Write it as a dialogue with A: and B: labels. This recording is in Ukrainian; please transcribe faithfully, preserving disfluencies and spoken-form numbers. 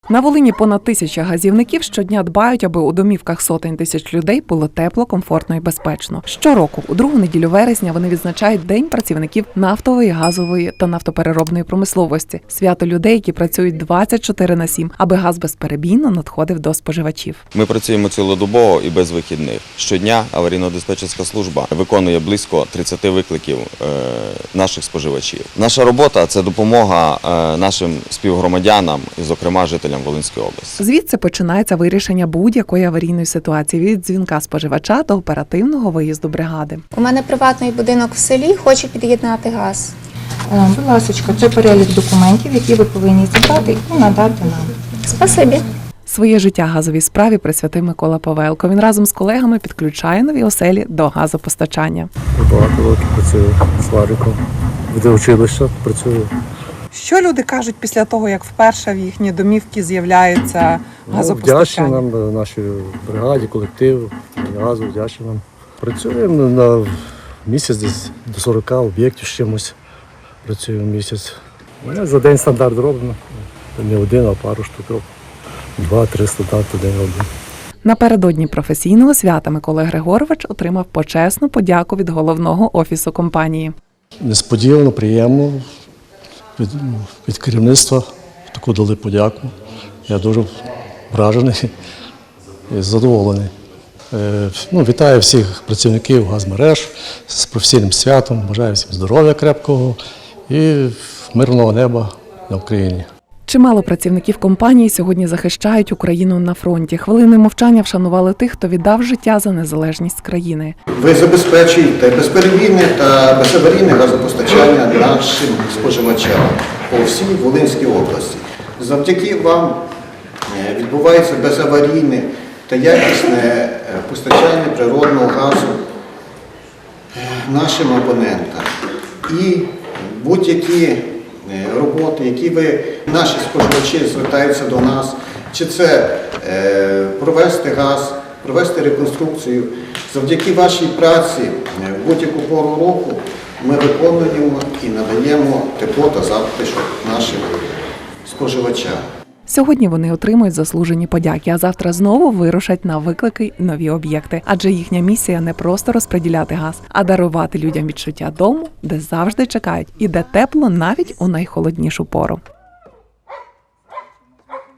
A: На Волині понад тисяча газівників щодня дбають, аби у домівках сотень тисяч людей було тепло, комфортно і безпечно. Щороку, у другу неділю вересня, вони відзначають День працівників нафтової, газової та нафтопереробної промисловості. Свято людей, які працюють двадцять чотири на сім, аби газ безперебійно надходив до споживачів.
B: Ми працюємо цілодобово і без вихідних. Щодня аварійно-диспетчерська служба виконує близько тридцяти викликів наших споживачів. Наша робота – це допомога нашим співгромадянам і, зокрема, жителям Волинської області.
A: Звідси починається вирішення будь-якої аварійної ситуації від дзвінка споживача до оперативного виїзду бригади.
C: У мене приватний будинок в селі, хочу під'єднати газ.
D: Будь ласка, це перелік документів, які ви повинні зібрати і надати нам.
C: Спасибі.
A: Своє життя газовій справі присвятив Микола Павелко. Він разом з колегами підключає нові оселі до газопостачання.
E: Багато років працюю свариком. Де училище працюю.
F: Що люди кажуть після того, як вперше в їхні домівки з'являється газопостачання?
E: Ну, вдячні нам, нашій бригаді, колективу, газу, вдячні нам. Працюємо на місяць десь до сорока об'єктів з чимось. Працюємо місяць. За день стандарт робимо. Не один, а пару штук робимо. Два-три стандарти в день робимо.
A: Напередодні професійного свята Микола Григорович отримав почесну подяку від головного офісу компанії.
E: Несподівано, приємно. Від, від керівництва таку дали подяку. Я дуже вражений і задоволений. Е, ну, вітаю всіх працівників газмереж з професійним святом. Бажаю всім здоров'я крепкого і мирного неба на Україні.
A: Чимало працівників компанії сьогодні захищають Україну на фронті. Хвилини мовчання вшанували тих, хто віддав життя за незалежність країни.
G: Ви забезпечуєте безперебійне та безаварійне газопостачання нашим споживачам по всій Волинській області. Завдяки вам відбувається безаварійне та якісне постачання природного газу нашим абонентам. І будь-які роботи, які ви, наші споживачі звертаються до нас, чи це е, провести газ, провести реконструкцію. Завдяки вашій праці в будь-яку пору року ми виконуємо і надаємо тепло та затишок нашим споживачам.
A: Сьогодні вони отримують заслужені подяки, а завтра знову вирушать на виклики і нові об'єкти. Адже їхня місія не просто розподіляти газ, а дарувати людям відчуття дому, де завжди чекають і де тепло навіть у найхолоднішу пору.